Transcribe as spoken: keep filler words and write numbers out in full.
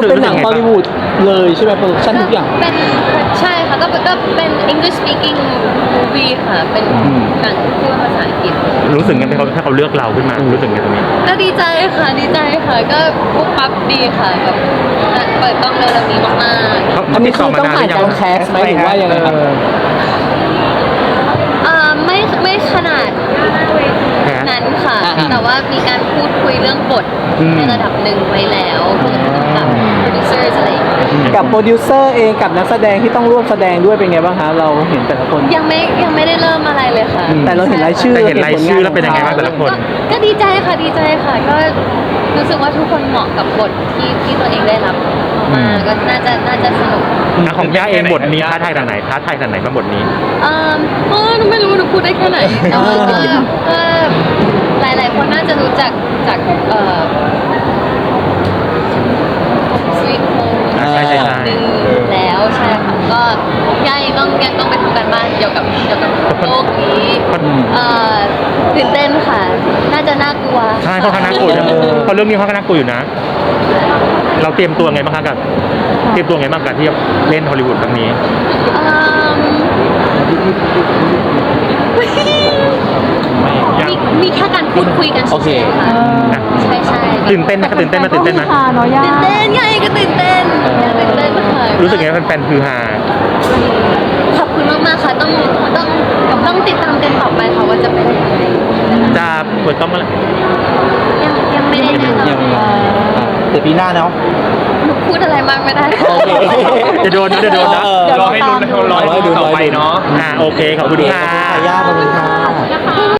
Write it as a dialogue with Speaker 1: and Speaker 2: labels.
Speaker 1: เป็นหนังฮอลลีวูดเลยใช่ไหมโปรดักชั่นทุกอย่าง
Speaker 2: เป็นใช่ค่ะก็ก็เป็น English speaking movie ค่ะเป็นหนังพูดภาษาอังกฤษ
Speaker 3: รู้สึกไงไหมเขาถ้าเขาเลือกเราขึ้นมารู้สึกไงตรงนี้
Speaker 2: ก็ดีใจค่ะดีใจค่ะก็ปุ๊บปั๊บดีค่ะแบบเปิดกล้องเร็วๆนี้มากๆ
Speaker 1: อันนี้คือต้องผ่านการแคสไหมหรือว่ายังไงครับ
Speaker 2: อ่าไม่ไม่ขนาดนั้นค่ะแต่ว่ามีการพูดคุยเรื่องบทในระดับหนึ่งไว้แล้วกับโปรดิวเซอร์อะไร
Speaker 1: กับโปรดิวเซอร์เองกับนักแสดงที่ต้องร่วมแสดงด้วยเป็นไงบ้างคะเราเห็นแต่ละคน
Speaker 2: ยังไม่ยังไม่ได้เริ่มอะไรเลยค่ะ
Speaker 1: แต่เราเห็นรายชื่อ
Speaker 3: แต่เห็นรายชื่อแล้วเป็นยังไงบ้างแต่ละคน
Speaker 2: ก็ดีใจค่ะดีใจค่ะก็รู้สึกว่าทุกคนเหมาะกับบทที่ที่ตัวเองได้รับมาก็น่าจะน่าจะสนุก
Speaker 3: ของย่าเองบทนี้ท้าทายทางไหนท้าทายทางไหนบ้างบทนี้
Speaker 2: อ่าเออหนูไม่รู้หนูพูดได้แค่ไหนแต่ว่าก็ก็หลายๆคนน่าจะรู้จักจากเอ่อสวีทโฮมหนึ่งแล้วใช่ค่ะก็ย่ายังต้องยังต้องไปทำการบ้านเกี่ยวกับเกี่ยวกับโลกนี้เอ่อตื่นเต้นค่ะน่าจะน่ากลัว
Speaker 3: ใช่เขาขนาดกลัวอยู่เพราะเรื่องนี้เขาขนาดกลัวอยู่นะเราเตรียมตัวไงบ้างคะกับเตรียมตัวไงบ้างกับที่เล่นฮอลลีวูดครั้งนี้
Speaker 2: มีมีแค่การพูดคุยกันเฉยๆค่ะใช่ใช่
Speaker 3: ตื่นเต้นไหมตื่นเต้นไหมตื่นเต้นไหม
Speaker 2: ตื่นเต้นไงก็ตื่นเต้นตื่นเต้นค่ะ
Speaker 3: รู้สึกไงแฟนๆคือฮา
Speaker 2: ขอบคุณมากๆค่ะต้องต้องต้องติดตามกันต่อไปค่ะว่าจะเป็นยังไง
Speaker 3: จะเปิดกล้องเมื่อไหร่
Speaker 2: ยังยังไม่ได้แน่นอน
Speaker 1: เดี๋ยวปีหน้าเนาะ
Speaker 2: หนูพูดอะไรมากไม่ได้
Speaker 3: จะโดนจะโดนนะ
Speaker 4: รอให้ลุ้นรอให้ลุ้นต่อไปเนาะ
Speaker 3: อ่าโอเคขอบคุณค่ะ
Speaker 1: ย่าขอบคุณค่ะ